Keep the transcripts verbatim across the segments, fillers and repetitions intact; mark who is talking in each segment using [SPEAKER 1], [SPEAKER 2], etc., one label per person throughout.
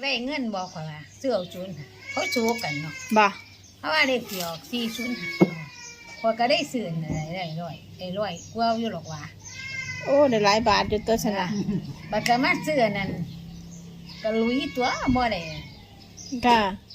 [SPEAKER 1] ได้เงินบอกข่อยว่าซื้อเอาศูนย์เขาโชว์กันเนาะ
[SPEAKER 2] บ่
[SPEAKER 1] เพราะว่าเลขที่ออกสี่ศูนย์ข่อยก็ได้ซื้ออะไรได้ร้อยได้ร้อยกว่าอยู่หรอกว่า
[SPEAKER 2] โอ้ได้หลายบาทอยู่ตัวสนะ
[SPEAKER 1] บัดก็มาซื้อนั่นก็ลุยตัวบ่ได้
[SPEAKER 2] ค่ะ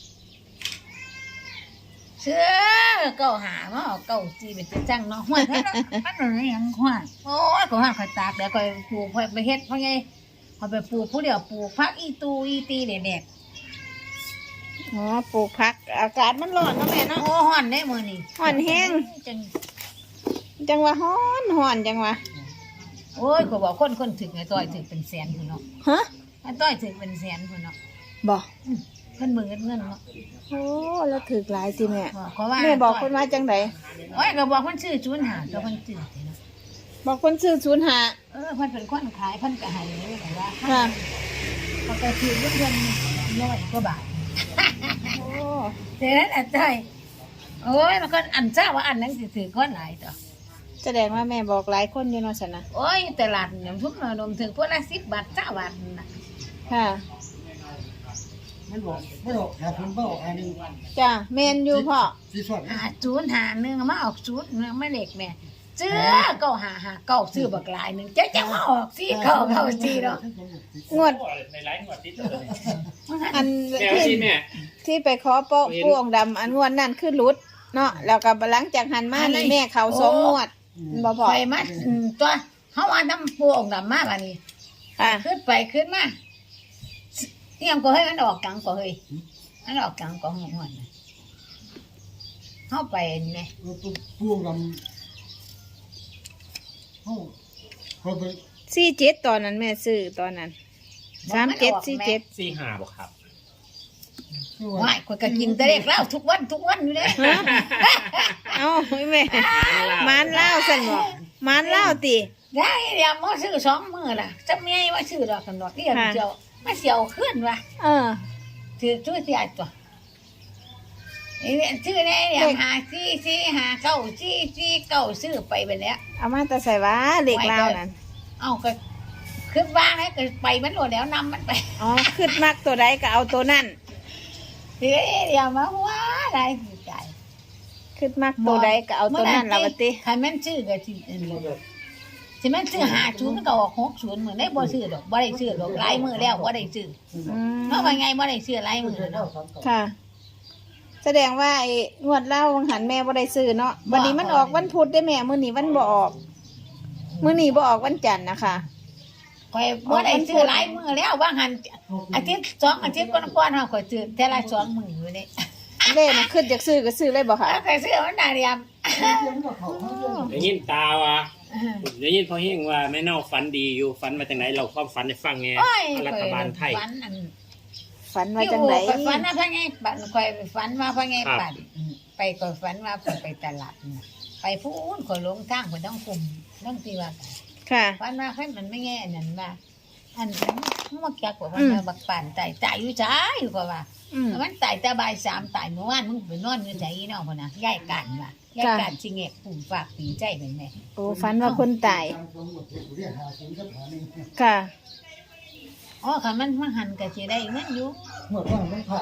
[SPEAKER 1] เชื่อเก้าหามาเอาเก้าจีเป็นจังเนาะห้วยมันมันอะไรยังห้วยโอ้ยก็ห้าข่อยตากแล้วข่อยปลูกข่อยไปเฮ็ดเพราะไงข่อยไปปลูกผู้เดียวปลูกพักอีตูอีตีเด็ด
[SPEAKER 2] อ๋อปลูกผักอากาศมันร้อนเนาะแม่
[SPEAKER 1] ๆ
[SPEAKER 2] เนาะ
[SPEAKER 1] โอ้ฮ้อนได้มื้อนี้
[SPEAKER 2] ฮ้อนแฮง
[SPEAKER 1] จัง
[SPEAKER 2] จังว่าฮ้อนฮ้อนจังว่า
[SPEAKER 1] โอ้ยข่อยบอกคนคนถึงไอ้ต้อยถึงเป็นแสนพุ่นเนาะ
[SPEAKER 2] ฮะ
[SPEAKER 1] ไอ้ต้อยถึงเป็นแสนพุ่นเนาะ
[SPEAKER 2] บ่
[SPEAKER 1] เพิ่นมือเงินเงินเนาะ
[SPEAKER 2] โอ้แล้วถึกหลายสิแม่
[SPEAKER 1] ขอว่า
[SPEAKER 2] แม่บอกคนว่าจังได
[SPEAKER 1] โอ้ยก็บอกเพิ่นชื่อจุนหาตัวเพิ่นชื่อเนาะ
[SPEAKER 2] บอกคนซื้อศูนย์ห้า
[SPEAKER 1] เออเพิ่นเป็นคนขายเพิ่นก็ให้เลยแต่ว่า
[SPEAKER 2] ค่ะ
[SPEAKER 1] เขาก็ซื้อเพิ่นเพิ่นร้อยกว่าบาท
[SPEAKER 2] โอ้
[SPEAKER 1] แต่นั้นอันใช่โอ้ยมันก็อันเจ้าว่าอันนั้นสิถือก้อนหลายต่อ
[SPEAKER 2] แสดงว่าแม่บอกหลายคนอยู่เนาะสนะ
[SPEAKER 1] โอ้ยตลาดน้ำทุกนมถึงพวกละสิบบาทเจ้าบาทน่ะ
[SPEAKER 2] ค่ะ
[SPEAKER 3] มันบอกไม่ออกหาคนไม่ออกอันนี้
[SPEAKER 2] จ้ะแม่นอยู่พ่อ
[SPEAKER 3] สีสด
[SPEAKER 1] หาจูนหาหนึ่งมาออกจูนเนื้อไม่เล็กแม่เจ้าเก้าหาหาเก้าซื้อบักหลายหนึ่งเจ๊จะมาออกสี่เก้าเก้าสี่เนาะ
[SPEAKER 2] งวด
[SPEAKER 4] ในไลฟ์งวดติดเลย
[SPEAKER 2] อัน
[SPEAKER 4] แม่ว่า
[SPEAKER 2] ที่
[SPEAKER 4] สิแม่
[SPEAKER 2] ที่ไปขอโปะปูองค์ดำอันงวดนั่นคือหลุดเนาะแล้วก็หลังจากหันมานี่แม่เขาสองงวดบ่พอ
[SPEAKER 1] ไปมาตัวเขาว่าน้ำปูองดำมาบ้านี้
[SPEAKER 2] ค่ะ
[SPEAKER 1] ขึ้นไปขึ้นมาเที่ยงก็ให้มันออกกลางก็เฮ้ยมันออกกลางก็หัวหัวเข้าไปเนี่ย
[SPEAKER 3] เราตัวพ่วงลำเขาเขาไป
[SPEAKER 2] สี่เจ็ดตอนนั้นแม่ซื้อตอนนั้นสามเจ็ดสี่เจ็ด
[SPEAKER 4] สี่ห้าบอกครับ
[SPEAKER 1] ว่ายคนก็กินแต่เด็กเล่าทุกวันทุกวันอยู่เลย
[SPEAKER 2] เอ้าแม่มานเล่าสั่นบอกมานเล่าติ
[SPEAKER 1] ได้เดี๋ยวมาซื้อสองมือล่ะจะไม่ให้ว่าซื้อดอกกันดอกเดียวเดียวมาเสียวขึ้นวะ
[SPEAKER 2] เออ
[SPEAKER 1] ถือช่วยเสียตัวไอ้เนี่ยชื่อเนี่ยเนี่ยหาซี่ซี่หาเก้าซี่ซี่เก้าซื้อไปไปแล้ว
[SPEAKER 2] เอามาแต่ใส่ว่าเด็กเล่านั่น
[SPEAKER 1] เอาก็ขึ้นบ้างให้ก็ไปมันโหลดแล้วนำมันไป
[SPEAKER 2] อ๋อขึ้นมักตัวใดก็เอาตัวนั่น
[SPEAKER 1] เดี๋ยวเดี๋ยวมาว่าอะไรใจ
[SPEAKER 2] ขึ้นมักตัวใดก็เอาตัวนั่นละวะติ
[SPEAKER 1] ใครแม่นชื่อก็ที่อันนี้ที่แม่นชื่อหาศูนย์มันก็ออกหกศูนย์เหมือนได้บ่ซื้อดอกบ่ได้ซื้อดอกลายมือแล้วบ่ได้ซื้อ
[SPEAKER 2] อืม
[SPEAKER 1] เพราะว่าไงบ่ได้ซื้อลายมือเนาะ
[SPEAKER 2] ค่ะ แสดงว่าไอ้งวดเล่าวังหันแม่บ่ได้ซื้อเนาะวันนี้มันออกวันพุธได้แม่มื้อนี้วันบ่ออกมื้อนี้บ่ออกวันจันทร์นะคะ
[SPEAKER 1] ข่อยบ่ได้ซื้อลายมือแล้วว่าหันอาทิตย์สองอาทิตย์ก่อนๆเฮาข่อยซื้อแต่ละสองมื้ออยู่นี่
[SPEAKER 2] เล่นะขึ้นจากซื้อก็ซื้อเลยบ่ค่ะ
[SPEAKER 1] แล้วข่อยซื้อมันได้เรียม
[SPEAKER 4] ได้ยินตาว่าได้ยินพ่อเฮงว่าแม่เน่าฝันดีอยู่ฝันมาจากไหนเราความฝันให้ฟังไง
[SPEAKER 1] โอ้ย
[SPEAKER 4] รัฐบาลไทย
[SPEAKER 1] ฝันอัน
[SPEAKER 2] ฝันว่า
[SPEAKER 1] ที่
[SPEAKER 2] จัง
[SPEAKER 1] โอ้
[SPEAKER 2] ได
[SPEAKER 1] ข่อยฝันว่าพะไงปั่นข่อยฝันว่าพะไง
[SPEAKER 4] ครับ
[SPEAKER 1] ปั่นไปข่อยฝันว่าข่อยไปตลาดน่ะไปพูนข่อยลงทางข่อยต้องคุมต้องตีว่ากัน
[SPEAKER 2] ค่ะ
[SPEAKER 1] ฝันว่าเพิ่นมันไม่แง่อันนั้นว่าอันนั้นมันบ่จักว่ามันบักปั่นตายตายอยู่จ้าอยู่กว่าว่า
[SPEAKER 2] อืม
[SPEAKER 1] มันตายแต่บ่ายสามตายเมื่อวานมึงไปนอนอยู่ไสอีน้องพุ่นน่ะยายกันว่ะยายกันสิแงกปุ่มฝากปีใจเป็นแม่
[SPEAKER 2] โอ้ฝันว่าคนตาย
[SPEAKER 3] เรียกหาศูนย์กับหาหนึ่ง
[SPEAKER 2] ค่ะ
[SPEAKER 1] อ๋อคันมันมันหันก็สิได้เงินอยู่
[SPEAKER 3] เมื่อก่อนมันผ่า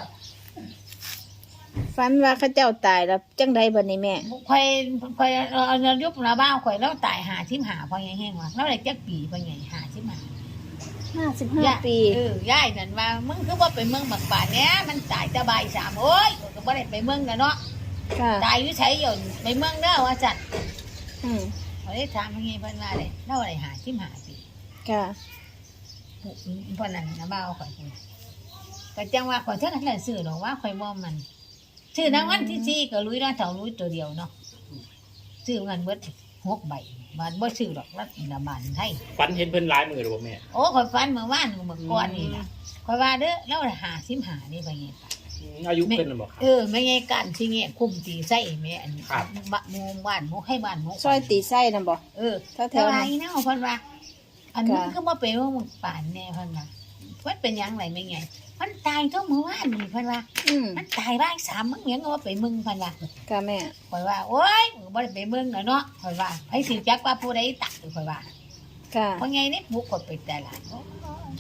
[SPEAKER 2] ฝันว่าเขาเจ้าตายแล้วจังไดบัดนี้แม่
[SPEAKER 1] ข่อยข่อยเอ่อยุบหน้าบ้านข่อยแล้วตายห้าสิบห้าพอยังแห้งว่ะแล้วได้จักปีพอยังห้าสิบห้า
[SPEAKER 2] ห้าสิบห้าปี
[SPEAKER 1] เออยายนั่นว่ามึงคือว่าไปเมืองบักป่านเนี้ยมันตายแต่บ่ายสามโอ้ยก็บ่ได้ไปเมืองกันเนาะ
[SPEAKER 2] ค่ะ
[SPEAKER 1] ตายอยู่ไสอยู่ไปเมืองเด้อว่าจัด
[SPEAKER 2] อืม
[SPEAKER 1] เขาได้ถามว่าไงเพิ่นว่าเลยเล่าอะไรหาสิบห้าปี
[SPEAKER 2] ค่ะ
[SPEAKER 1] เพิ่นนั่นนะบ่าวข่อยพุ่นก็จังว่าข่อยเท่านั้นแหละซื้อดอกว่าข่อยบ่มันซื้อนางวันที่สี่ก็ลุยเนาะเท่าลุยตัวเดียวเนาะซื้อเงินเบิดหกใบบาทบ่ซื้อดอกรัฐบาลไทย
[SPEAKER 4] ฝันเห็นเพิ่นร้ายมือหรือเปล่าแม่
[SPEAKER 1] โอ้ข่อยฝันเมื่อวานเมื่อก่อนนี่ล่ะข่อยว่าเด้อแล้วหาสิบห้านี่ไปไงปะ
[SPEAKER 4] อืมอายุเพิ่นน่ะบอกครับ
[SPEAKER 1] เออไม่ไงกันสิเงี้ยคุมตีไส้แม่อัน
[SPEAKER 4] ครับ
[SPEAKER 1] บะมูบ้านหมูให้บ้านหมู
[SPEAKER 2] ซอยตีไส้นะบ่
[SPEAKER 1] เออ
[SPEAKER 2] แถวๆ
[SPEAKER 1] แต่ว่า
[SPEAKER 2] นั้น
[SPEAKER 1] อีเนาะเพิ่นว่า อันนี้
[SPEAKER 2] ค่ะ
[SPEAKER 1] คือบ่เป็นว่ามึงป่านแน่เพิ่นว่าเพิ่นเป็นหยังไงไม่ไงมันตายเท่าเมื่อวานนี่เพิ่นว่า
[SPEAKER 2] อืม
[SPEAKER 1] มันตายบ่ายสามมึงเหมียงก็ว่าไปมึงเพิ่นว่า
[SPEAKER 2] ค่ะแม่
[SPEAKER 1] ข่อยว่าโอ๊ยมึงบ่ได้ไปเบิ่งแล้วเนาะข่อยว่าไผสิจักว่าผู้ใดตักข่อยว่า
[SPEAKER 2] ค่ะ
[SPEAKER 1] เพราะไงนี่บุกข่อยไปแต่ละ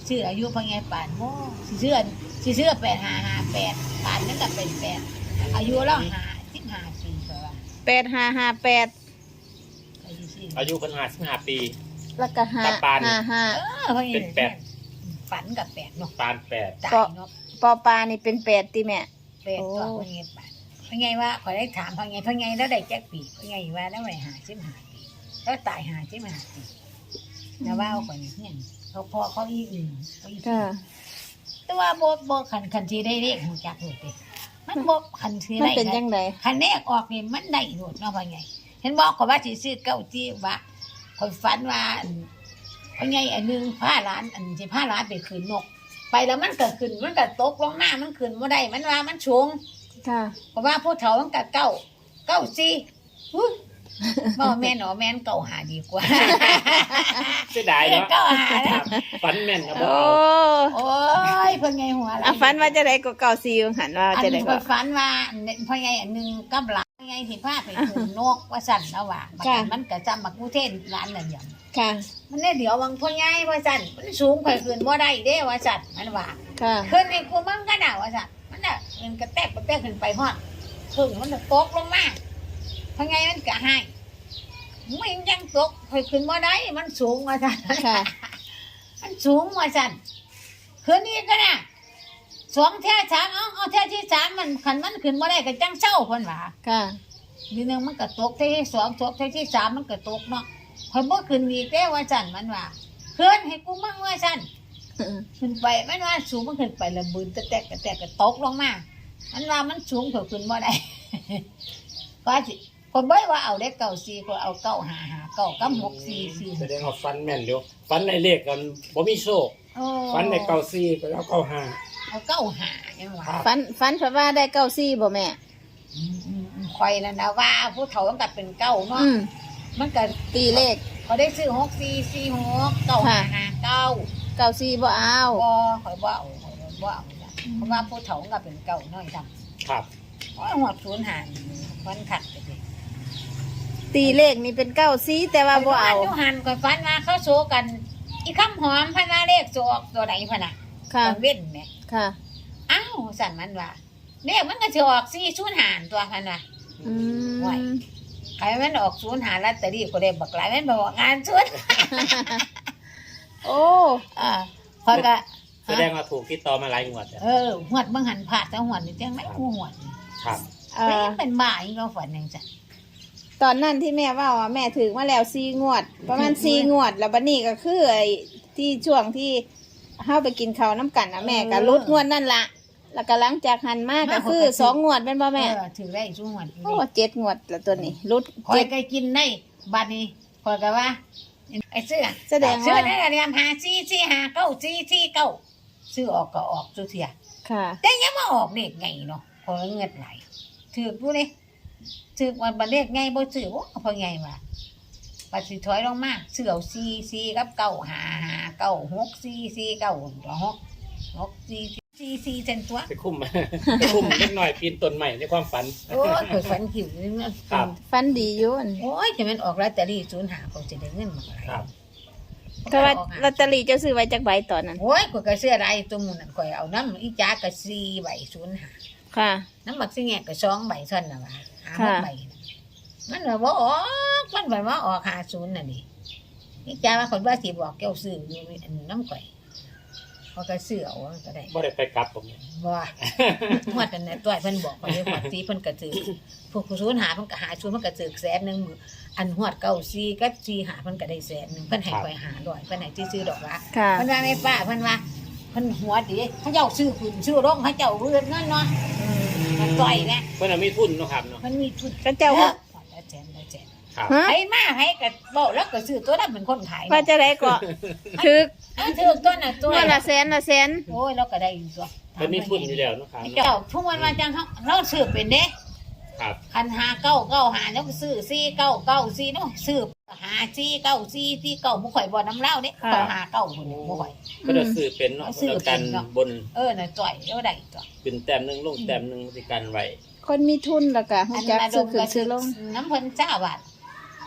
[SPEAKER 1] ชื่ออายุพ่อใหญ่ปานโม่สิเชื่อสิเชื่อแปดห้าห้าแปดปานนั่นก็เป็นแปดอายุเราหาสิบห้าปีเท่าว่า
[SPEAKER 2] แปดห้าห้าแปด
[SPEAKER 1] อายุสิ
[SPEAKER 4] อายุเพิ่นห้าสิบห้าปี
[SPEAKER 2] แล้วก็ห้า
[SPEAKER 4] ตาปาน
[SPEAKER 2] ห้าห้า
[SPEAKER 1] เออพ่อใหญ่
[SPEAKER 4] เป็นแปด
[SPEAKER 1] ฝันกับแปดเนาะ
[SPEAKER 4] ปานแปด
[SPEAKER 1] ตายเนาะ
[SPEAKER 2] ปอปลานี่เป็นแปดติแม่
[SPEAKER 1] แปดตัวพ่อใหญ่ปานพ่อใหญ่ว่าขอได้ถามพ่อใหญ่พ่อใหญ่แล้วได้แจ็คปีพ่อใหญ่ว่าแล้วได้หาสิบห้าปีแล้วตายหาสิบห้าปีแล้วว่าเอาไปเนี่ยเขาพอเขาอีอื่นเขาอี
[SPEAKER 2] ค่ะ
[SPEAKER 1] แต่ว่าบ่บ่คันคันที่ได้เลขหูจักโหดเด้มันบ่คันที่
[SPEAKER 2] มัน
[SPEAKER 1] ได้
[SPEAKER 2] เป็นจังได
[SPEAKER 1] คันเลขออกนี่มันได้โหดเนาะพ่อใหญ่เห็นบอกเขาว่าสิซื้อเก้าจี้ว่าข่อยฝันว่าอันพ่อใหญ่อันหนึงพาหลานอันสิพาหลานไปคืนนก ไปแล้วมันก็ขึ้นมันก็ตกลงมามันขึ้นบ่ได้มันว่ามันสูง
[SPEAKER 2] ค่ะ
[SPEAKER 1] เพราะว่าผู้เฒ่ามันก็เก้าเก้าซี่อุ๊ยบ่แม่นหนอแม่นเก้าหาดีกว่า
[SPEAKER 4] เสียดายเนาะ
[SPEAKER 1] เก้าหา
[SPEAKER 4] ค
[SPEAKER 1] นะ
[SPEAKER 4] รับฝันแม่นนะบ่
[SPEAKER 2] โอ้
[SPEAKER 4] เอา
[SPEAKER 1] โอ้ยเพิ่นไงหัวอะไร
[SPEAKER 2] อ่ะฝันว่าจะได้ก็เก่าซีหันว่า
[SPEAKER 1] อัน
[SPEAKER 2] จะได้
[SPEAKER 1] นี้
[SPEAKER 2] ก็
[SPEAKER 1] เพิ่นฝันว่าพ่อใหญ่อันหนึงกับหลานพ่อใหญ่สิพาไปขึ้นนกว่าสั่นแล้วว่าบัดนั้นมันก็จำบักกูเทนร้านนั่นหยัง
[SPEAKER 2] ค่ะ
[SPEAKER 1] มันได้เดี๋ยววังพ่อใหญ่ว่าสั่นมันสูงข่อยขึ้นบ่ได้เด้ว่าสั่นมันว่า
[SPEAKER 2] ค่ะ
[SPEAKER 1] ขึ้นให้กูมั่งก็น่ะว่าสั่นมันน่ะมันกระแตกกระแตกขึ้นไปฮอดถึงมันจะตกลงมาพ่อใหญ่มันก็ให้มันยังตกข่อยขึ้นบ่ได้มันสูงว่าสั่น
[SPEAKER 2] ค่ะ
[SPEAKER 1] มันสูงว่าสั่นคืนนี้ก็น่ะสองแท่สามเอาเอาแท่ที่สามมันขันมันขึ้นมาได้ก็จังเศร้าเพิ่นว่า
[SPEAKER 2] ค่ะ
[SPEAKER 1] ทีนึงมันก็ตกแท่ที่สองตกแท่ที่สามมันก็ตกเนาะเพิ่นบ่ขึ้นอีกแต่ว่าสั่นมันว่าขึ้นให้กูมั่งว่าสั่นขึ้นไปมันว่าสูงมันขึ้นไประบืนตะแตกตะแตกก็ตกลงมามันว่ามันสูงเท่าขึ้นบ่ได้ ก็สิคนบ่ว่าเอาได้เก้าสี่ก็เอาเก้าห้าห้าเก้ากับหกสี่สี่
[SPEAKER 4] แสดงว่าฝันแม่นเดี๋ยวฝันในเลขกันบ่มีโชค
[SPEAKER 1] โอ้
[SPEAKER 4] ฝันในเก้าสี่ก็เอาเก้าห้า
[SPEAKER 1] เอาเก้าห้ายังว่า
[SPEAKER 2] ฝันฝันเพราะว่าได้เก้าซีบ่แม่
[SPEAKER 1] อืมอืมอืมคอยแล้วนะว่าผู้เฒ่าต้องกัดเป็นเก้าเนาะ
[SPEAKER 2] อืม
[SPEAKER 1] มันก็
[SPEAKER 2] ตีเลข
[SPEAKER 1] เขาได้ซื้อหกสี่สี่หกเก้าห้าห้าเก้า
[SPEAKER 2] เก้าซีบ่เอา
[SPEAKER 1] บ่คอยบ่เอาคอยบ่เอาจ้ะเพราะว่าผู้เฒ่าต้องกัดเป็นเก้าน้อยจัง
[SPEAKER 4] ครับ
[SPEAKER 1] โอ้ยหัวศูนย์หารมันขัดไปเลย
[SPEAKER 2] ตีเลขนี่เป็นเก้าซีแต่ว่าบ่เอา
[SPEAKER 1] ข้ยฝันยู่หันคอยฝันมาเขาโซกัน อีคำหอมพนาเลขโซออกตัวไหนพะน่ะ
[SPEAKER 2] ค่ะ
[SPEAKER 1] ตอนเว้นแหม่
[SPEAKER 2] ค่ะ
[SPEAKER 1] อ้าวสั่นมันว่าเลขมันก็สิออกสี่ศูนย์หารตัวพันว่า
[SPEAKER 2] อื
[SPEAKER 1] ไหว
[SPEAKER 2] ม
[SPEAKER 1] ใครมันออกศูนย์หารลอตเตอรี่ก็ได้บักหลายมันบอกงานศูนย์
[SPEAKER 2] โอ้
[SPEAKER 1] อ่าพอยก็
[SPEAKER 4] แสดงว่าถูกติดต่อมาหลายงวดแล้ว
[SPEAKER 1] เออหวดบางหันผาดแต่หวดนี่จังไม่กูหวด
[SPEAKER 4] ครับ
[SPEAKER 2] เอ่
[SPEAKER 1] ไม่
[SPEAKER 2] อ
[SPEAKER 1] เป็นบ่ายก็ฝันยังจ้ะ
[SPEAKER 2] ตอนนั้นที่แม่ว่าว่าแม่ถึงมาแล้วซีงวด ประมาณซีงวด แล้วบัดนี้ก็คือไอ้ที่ช่วงที่เฮาไปกินข้าวน้ำกันนะแม่ก็ลดงวดนั่นละแล้วก็หลังจากหันมาก็คือสองงวดเป็นบ่แม่
[SPEAKER 1] เออถือได้ช่วงหวด
[SPEAKER 2] โอ้เจ็ดงวดแล้วตัวนี้ลด
[SPEAKER 1] คอย
[SPEAKER 2] เจ็ด
[SPEAKER 1] ก็กินได้บัดนี้คอยก็ว่าไอ้เสื้อ
[SPEAKER 2] แสดงว่า
[SPEAKER 1] เสื้อได้เรียมหาซีซีหาเก้าซีซีเก้าซื้อออกก็ออกสุเทีย
[SPEAKER 2] ค่ะ
[SPEAKER 1] แต่ยังมาออกเด็กไงเนาะพอเงินไหลถือผู้นี่ถือวันบันเลขไงบ่ซื้อโอ้พอไงวะปัดสิถอยลงมาเสือซีซีกับเก้าหาหาเก้าหกซีซีเก้าหกหกซีซีซีเซนตัว
[SPEAKER 4] ไปคุ้ม ไปคุ้มเล็กน้อยปีนต้นใหม่ในความฝัน
[SPEAKER 1] โอ้ยเกิดฝันขิวนี่มัน
[SPEAKER 4] ครับ
[SPEAKER 2] ฟันดีอยู่อั่น
[SPEAKER 1] โอ้ยจะมันออกลอตเตอรี่ศูนย์หาเขาจะได้เงินมาอะไร
[SPEAKER 4] ครับ
[SPEAKER 2] ก็ว่าลอตเตอรี่เจ้าซื้อไว้จักใบตอนนั้น
[SPEAKER 1] โอ้ยก็กระเสื้อลายตัวมูนั่นก่อยเอาน้ำอีจ้ากระซีใบศูนย์หา
[SPEAKER 2] ค่ะ
[SPEAKER 1] น้ำบักสิแงกระสองใบเท่านั้นนะวะหาหก
[SPEAKER 2] ค่ะ
[SPEAKER 1] ใบน่ะมันแบบว่าออกมันแบบว่าออกหาศูนย์น่ะนี่อีจ้าว่าคนว่าสิบอกแก้วซื้ออยู่อันน้ำก่อยเขาก็ซื้อเอาก็ได้
[SPEAKER 4] บ่ได้ไปกลับผมเนี่ย
[SPEAKER 1] ว่าหวดอันนั้นตัวเพิ่นบอกไปเลยหวดซีเพิ่นกระถือพวกศูนย์หาเพิ่นก็หาศูนย์เพิ่นกระถือแสนหนึงมืออันหวดเก้าซีกับซีหาเพิ่นก็ได้แสนหนึงเพิ่นให้ไปหาร้อยเพิ่นให้ที่ซื้อดอกละ
[SPEAKER 2] ค่ะ
[SPEAKER 1] เพิ่นว่าไม่ป้าเพิ่นว่าเพิ่นหัวดีเขาเจ้าซื้อขึ้นซื้อลงเขาเจ้าเรือนเงินเนาะมันต่อยแน่
[SPEAKER 4] เพิ่นนะมีทุนเนาะครับเนาะ
[SPEAKER 1] มันมีทุน
[SPEAKER 2] ก็เจ้า
[SPEAKER 1] เอ
[SPEAKER 2] ว่า
[SPEAKER 1] อแล้วแจนแล้วแจน
[SPEAKER 4] ครับ
[SPEAKER 2] ฮะ
[SPEAKER 1] ให้มาให้ก็บอกแล้วก็ซื้อตัวนั้นเป็นคนขาย
[SPEAKER 2] ว่าจะได้ก็ถึก
[SPEAKER 1] เออถือตัวน่ะตัว
[SPEAKER 2] งวดละแสนละแสน
[SPEAKER 1] โอ้ยเราก็ได้อยู่ตัว
[SPEAKER 4] เพิ่นมีทุนอยู่แล้วเนาะครับ
[SPEAKER 1] ไอ้
[SPEAKER 4] เนาะ
[SPEAKER 1] เจ้าทุกวันว่าจังเขาเราซื้อเป็นเด้
[SPEAKER 4] ครับ
[SPEAKER 1] คันหาเก้าเก้าหาแล้วก็ซื้อซี่เก้าเก้าซี่เนาะซื้อหาซี่เก้าซี่ซี่เก้าบ่ข่อยบ่น้ำเหล้าเด้ข่อยหาเก้าคนเดียวบ่ข่อย
[SPEAKER 4] เพิ่นจะซื้อเป็นเนาะ
[SPEAKER 1] ซื้อ
[SPEAKER 4] แล้ว
[SPEAKER 1] เป็
[SPEAKER 4] กัน
[SPEAKER 1] นเนาะ
[SPEAKER 4] บน
[SPEAKER 1] เออน่ะจ่อยแล้วได้ตัว
[SPEAKER 4] ขึ้นแต้มหนึงลงแต้มหนึงสิกันไว้
[SPEAKER 2] คนมีทุนแล้วก็ฮู้จักซื้อขึ้นซื้อลง
[SPEAKER 1] น้ำเพิ่นเจ้าบาท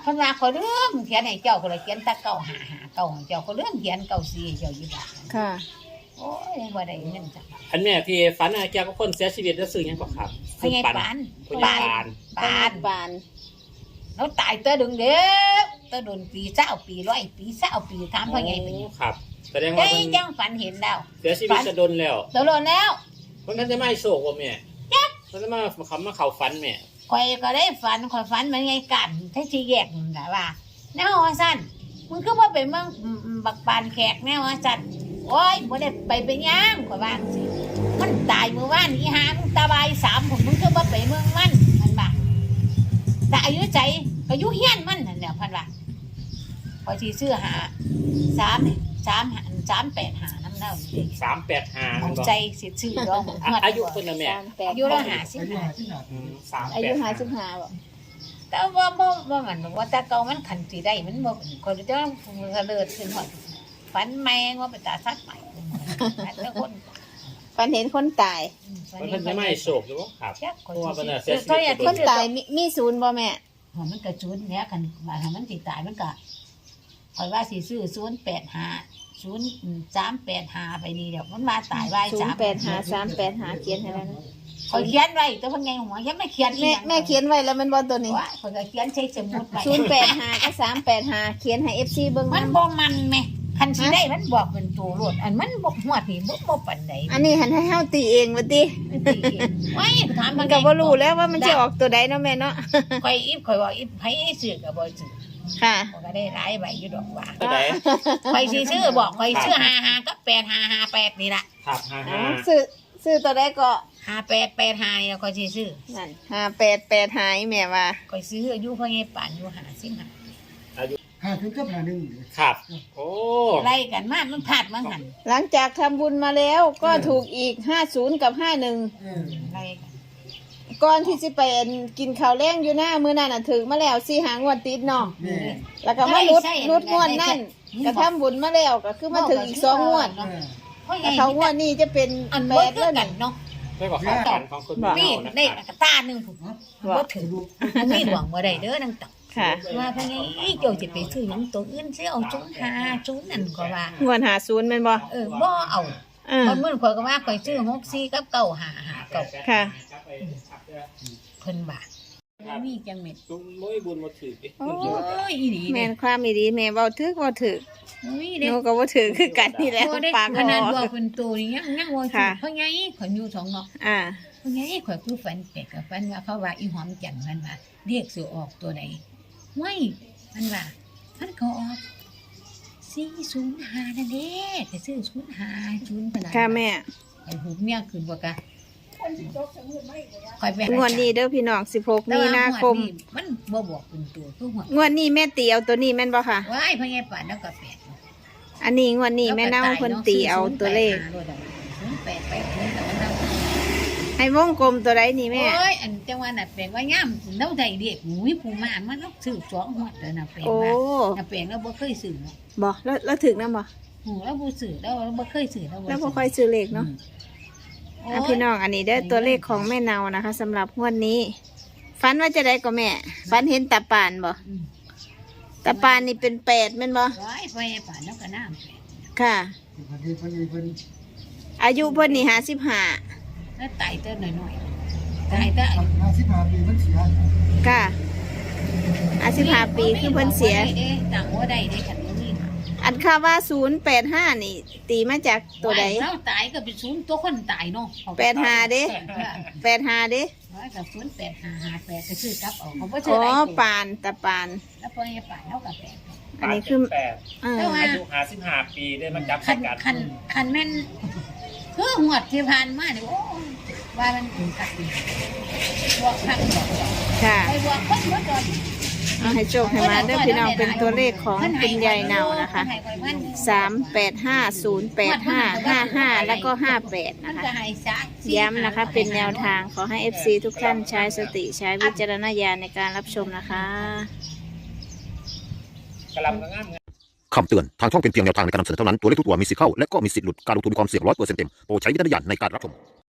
[SPEAKER 1] เพิ่นว่าขอยเริ่มเขียนให้เจ้าก็เลยเขียนแตะเก้าหาหาเก้าให้เจ้าก็เริ่มเขียนเก้าสี่ให้เจ้าอยู่บาท
[SPEAKER 2] ค่ะ
[SPEAKER 1] โอ้ยบ่ได้เงินจักบาท
[SPEAKER 4] อันแม่ที่ฝันอะเกี่ยวกับคนเสียชีวิตแล้วซื้อหยังก็ครับ
[SPEAKER 1] พ่อใหญ่ปาน
[SPEAKER 4] พ่อใหญ่ปาน
[SPEAKER 1] ปาน
[SPEAKER 2] ปาน
[SPEAKER 1] แล้วตายเตอดึงเด้อเตอโดนปีเศร้าปีร้อยปีเศร้าปีถามพ่อใหญ่เป็นหยัง
[SPEAKER 4] ครับแสดง
[SPEAKER 1] ไอ้
[SPEAKER 4] ว่าเพิ่น
[SPEAKER 1] ยังฝันเห็นแล้ว
[SPEAKER 4] เสียชีวิตจะโดนแล้ว
[SPEAKER 1] ตกลงแล้ว
[SPEAKER 4] เพิ่นจะไม่โศกว่าแม่เพิ่นจะมาคำมาเข้าฝันแม่
[SPEAKER 1] ข่อยก็ได้ฝันข่อยฝันมันไงกันถ้าสิแยกนั่นล่ะว่าแนวว่าซั่นมึงคือบ่ไปเมืองอืมบักปานแขกแนวว่าซั่นโอ้ยบ่ได้ไปเป็นหยังข่อยว่าจังซี่มันตายเมื่อวานอีหามึงตาบายสามผมมึงคือบ่ไปเมืองมันมันบ่าแต่อายุใจก็อยู่เฮียนมันนั่นแหละพันว่าข่อยสิซื้อหาสามสามหาสามแปดหานำเล่าอยู่ดิ
[SPEAKER 4] สามแปดห้า
[SPEAKER 1] มัน
[SPEAKER 4] บอก
[SPEAKER 1] ใจสิซื้อดอก
[SPEAKER 4] อ่ะอายุเพิ่นน่ะแม่
[SPEAKER 2] สามแปด
[SPEAKER 1] อายุละห้าสิบ
[SPEAKER 3] อายุ
[SPEAKER 1] ห้า
[SPEAKER 3] หาที่หนา
[SPEAKER 4] อืมสาม
[SPEAKER 2] อา
[SPEAKER 4] แป
[SPEAKER 2] ยุ
[SPEAKER 4] ด
[SPEAKER 2] ห้า
[SPEAKER 4] ห้า
[SPEAKER 2] สิบห้าบ่
[SPEAKER 1] แต่ว่าบ่บ่มันว่าแต่เก่ามันขันสิได้มันบ่คนจะเลิศขึ้นหมดฝันแมงว่าเป็นตาซัดใหม่แล้วคน
[SPEAKER 2] ฝันเห็นคนตาย
[SPEAKER 4] เพิ่นจะไม่โศกอยู่บ่ครับ
[SPEAKER 1] จักคน
[SPEAKER 4] เพราะว่าเพิ่นน่ะเสี
[SPEAKER 1] เสี
[SPEAKER 4] ย
[SPEAKER 1] ย
[SPEAKER 4] ชีวิต
[SPEAKER 1] ชีวิต
[SPEAKER 2] คนตายมีมีศูนย์บ่แม่
[SPEAKER 1] มันกระจุนเนี้ยกันมาทำมันสิตายมันก็คอยว่าสิซื้อศูนย์แปดห้าศูนย์สามแปดห้าไปนี่เดี๋ยวมันมาตายไว้
[SPEAKER 2] ศูน
[SPEAKER 1] สาม
[SPEAKER 2] ย์แปดห้าสามแปดห้าเขียนให้แล้วนะ
[SPEAKER 1] คอยเขียนไว้แต่เพิ่นไงหัวยังไม่เขียน
[SPEAKER 2] แม่แม่เขียนไว้แล้วมันบ่ตัวนี้
[SPEAKER 1] ว่าคอยก็เขียนใช้สมุดไว้
[SPEAKER 2] ศูนย์แปดห้ากับสามแปดห้าเขียนให้ เอฟ ซี เบิ่ง
[SPEAKER 1] มัน
[SPEAKER 2] นำ
[SPEAKER 1] บ่มันแม่คันสิได้มันบอกเป็นตัวรถอันมันบ่ฮวดนี่บ่บ่ปานใด
[SPEAKER 2] อันนี้หันให้เฮาตีเองว่าติ
[SPEAKER 1] ไว้ถาม
[SPEAKER 2] มันก็บ่รู้แล้วว่ามันจะออกตัวใดเนาะแม่เนาะ
[SPEAKER 1] คอยอีฟคอยว่าอีฟไผซื้อก็บ่ซื้อ
[SPEAKER 2] ค่ะ
[SPEAKER 1] ข้อยก็ได้หลายใบอยู่ดอกว่า
[SPEAKER 4] ตัวใด
[SPEAKER 1] คอยสิซื้อบอกคอยซื้อห้าห้ากับแปดห้าห้าแปดนี่ล่ะ
[SPEAKER 4] ครับห้า
[SPEAKER 2] อ๋อ
[SPEAKER 4] ห้า
[SPEAKER 2] ซื้อซื้อตัวใดก็
[SPEAKER 1] ห้าแปดแปดห้าแล้วคอยสิซื้อ
[SPEAKER 2] นั่นห้าแปดแปดหายแม่ว่า
[SPEAKER 1] คอยซื้ออายุพ่อใหญ่ป่านอยู่ห้าสิบห้า
[SPEAKER 3] หาถึงกับหาหนึ่ง
[SPEAKER 4] ครับโอ้
[SPEAKER 1] ไล่กันมามันพลาดมาหัน
[SPEAKER 2] หลังจากทำบุญมาแล้วก็ถูกอีกห้าศูนย์กับห้าหนึ่ง
[SPEAKER 3] เออ
[SPEAKER 1] ไล่กัน
[SPEAKER 2] ก่อนที่สิไปกินข้าวแรงอยู่หน้ามื้อนั้นน่ะถึงมาแล้วสี่หางวดติดเนาะ
[SPEAKER 3] แม่
[SPEAKER 2] แล้วก็มาลุดลุดงวดนั่นก็ทำบุญมาแล้วก็คือมาถึงอีกสองงวด
[SPEAKER 3] เออ
[SPEAKER 1] พ่อให
[SPEAKER 2] แต่
[SPEAKER 1] ญ่
[SPEAKER 2] เขางวดนี้จะเป็น
[SPEAKER 1] อัน
[SPEAKER 2] แป
[SPEAKER 1] เบิด
[SPEAKER 2] ด
[SPEAKER 1] ก็
[SPEAKER 2] แล้ว
[SPEAKER 1] กั
[SPEAKER 2] นี่
[SPEAKER 1] นเนาะ
[SPEAKER 4] ได้บอกข่าวสารของคุณแม่
[SPEAKER 1] มี
[SPEAKER 4] เนาะนะ
[SPEAKER 1] ได้
[SPEAKER 4] ครับ
[SPEAKER 1] กระตาหนึงผมบ่ถึงมีหวังบ่ได้เด้อนังตัก
[SPEAKER 2] ค่ะ
[SPEAKER 1] ว่าพ่อใหญ่เจ้าสิไปซื้อหยังตัวอื่นสิเอาศูนย์ห้าศูนย์นั่นก็ว่า
[SPEAKER 2] งวดหาศูนย์แม่นบ่
[SPEAKER 1] เออบ่เอา
[SPEAKER 2] อ่า
[SPEAKER 1] คนมื้อข่อยก็ว่าข่อยซื้อหกสี่กับเก้าห้าห้าเก้า
[SPEAKER 2] ค่ะ
[SPEAKER 1] เพิ่นบาทมีจังเม็ด
[SPEAKER 4] ลุงมุ้ยบุญมาถือดิ
[SPEAKER 1] โอ้ยอีหลี
[SPEAKER 2] แม่
[SPEAKER 1] เด้
[SPEAKER 2] นความอีดีแม่เว้าถึกเว้าถึก
[SPEAKER 1] มี
[SPEAKER 2] ห
[SPEAKER 1] เด้
[SPEAKER 2] นูก็บ่ถือคือกันนี่แหละ
[SPEAKER 1] บ่ได้
[SPEAKER 2] ปาก
[SPEAKER 1] ข
[SPEAKER 2] คอ
[SPEAKER 1] นาดบอกเป็นตัวนี่ยังยังว่าสิ
[SPEAKER 2] ค่ะ
[SPEAKER 1] เพราะไงข่อยอยู่สองเนาะ
[SPEAKER 2] อ่า
[SPEAKER 1] เพราะไงข่อยคือฝันแปลกกับฝันว่าเขาว่าอีหอมจันทร์มันว่าเรียกสิออกตัวใดห้วยมันว่ามันก็ออกสี่ศูนย์ห้านั่นเด้แต่ซื้อศูนย์ห้าศูนย์ขนาด
[SPEAKER 2] ค่ะแม่
[SPEAKER 1] ข่อยหูเมียขึ้นบ่กะข่อยไปหาง
[SPEAKER 2] วดนี้เด้อพี่น้องสิบหก
[SPEAKER 1] แต่
[SPEAKER 2] มี
[SPEAKER 1] ว่
[SPEAKER 2] นาคม
[SPEAKER 1] งวดนี้มันบ่บอกเป็นตัวคือหัว
[SPEAKER 2] งวดนี้แม่ตีเอาตัวนี้แม่นบ่ค่ะ
[SPEAKER 1] ว้ายพ่อใหญ่ป่านแล้วก็แปด
[SPEAKER 2] อันนี้งวดนี้แม่เน่าเพิ่นตีเอาตัวเลข
[SPEAKER 1] ศูนย์แปดแปดศูนย์แต่ว่าเรา
[SPEAKER 2] ให้วงกลมตัวใดนี่แม่
[SPEAKER 1] โอ้ยอันจังหวะน่ะแปลงว่าย่ำเราได้เด็กหมูยผู้มามันต้องซื้อสองหัวแล้วน่ะแปลง
[SPEAKER 2] โอ้
[SPEAKER 1] ว่าน่ะแปลงแล้วบ่เคยซื้อเนาะ
[SPEAKER 2] บ่แล้วแล้วถึกนำบ่
[SPEAKER 1] หูแล้วบ่ซื้อแล้วบ่เคยซื้อแล้ว
[SPEAKER 2] แล้วบ่ค่อยซื้อเลขเนาะ
[SPEAKER 1] โอ้
[SPEAKER 2] อ่ะ
[SPEAKER 1] ย
[SPEAKER 2] พี่น้องอันนี้ได้อตัวเลขของแม่เนานะคะสำหรับงวดนี้ฝันว่าจะได้ก็แม่ฝันเห็นตาปานบ่
[SPEAKER 1] อืม
[SPEAKER 2] ตาปานนี่เป็นแปดแม่นบ่
[SPEAKER 1] ว้ายพ่อใหญ่ป่านแล้วก็น้ำแปลง
[SPEAKER 2] ค่ะ
[SPEAKER 3] พอดีพอดีพอดี
[SPEAKER 2] อายุเพิ่นนี่ห้าสิบห้า
[SPEAKER 1] แล้วไตเต้นหน่อยๆตายแต่
[SPEAKER 3] ห้าสิบห้าปีมันเสีย
[SPEAKER 2] ค่ะห้าสิบห้าปีคือเพิ่นเสีย
[SPEAKER 1] บ่ได้เด้ต่างบ่ได้เด้คันบ่มี
[SPEAKER 2] อันค่าว่าศูนย์แปดห้านี่ ตีมาจากตัวใด
[SPEAKER 1] เราตายก็เป็นศูนย์ตัวคนตายเนาะ
[SPEAKER 2] แปดห้าเด้ แปดห้าเด้
[SPEAKER 1] ร้อยกับศูนย์แปดห้าห้าแปดก็ซื้อกลับเอาเขาบ่
[SPEAKER 2] อ๋
[SPEAKER 1] ซื้อ
[SPEAKER 2] อ
[SPEAKER 1] หลายตัว
[SPEAKER 2] ปานตาปาน
[SPEAKER 1] แล้วพ่อใหญ่ป่านแล้วก็แปด
[SPEAKER 2] อันนี้คือ
[SPEAKER 4] แปด
[SPEAKER 2] เออ
[SPEAKER 4] อายุห้าสิบห้าปีได้มาจับ
[SPEAKER 1] คัน
[SPEAKER 4] กัน
[SPEAKER 1] คันคันแม่นคือหวดที่ผ่านมาเนี่ยโอ้ยว่ามันถึงกัดอีกบวกพักบวกดอก
[SPEAKER 2] ค่ะ
[SPEAKER 1] ไปบวกคนบวกดอก
[SPEAKER 2] เอาให้โชคให้มาเด้อพี่น้องเป็นตัวเลขของคุณยายเนานะคะสามแปดห้าศูนย์แปดห้าห้าห้าแล้วก็ห้าแปด
[SPEAKER 1] มัน
[SPEAKER 2] นะคะ
[SPEAKER 1] ก็ให้ซะ
[SPEAKER 2] ย้ำนะคะเป็นแนวทางขอให้ เอฟ ซี ทุกท่านใช้สติใช้วิจารณญาณในการรับชมนะคะ
[SPEAKER 4] กำลังงาม
[SPEAKER 5] คำเตือน ทางช่องเป็นเพียงแนวทางในการนำเสนอเท่านั้น ตัวเลขทุกตัวมีสิทธิ์เข้า และก็มีสิทธิ์หลุด การลงทุนมีความเสี่ยงร้อยเปอร์เซ็นต์เต็ม โปรดใช้วิจารณญาณในการรับชม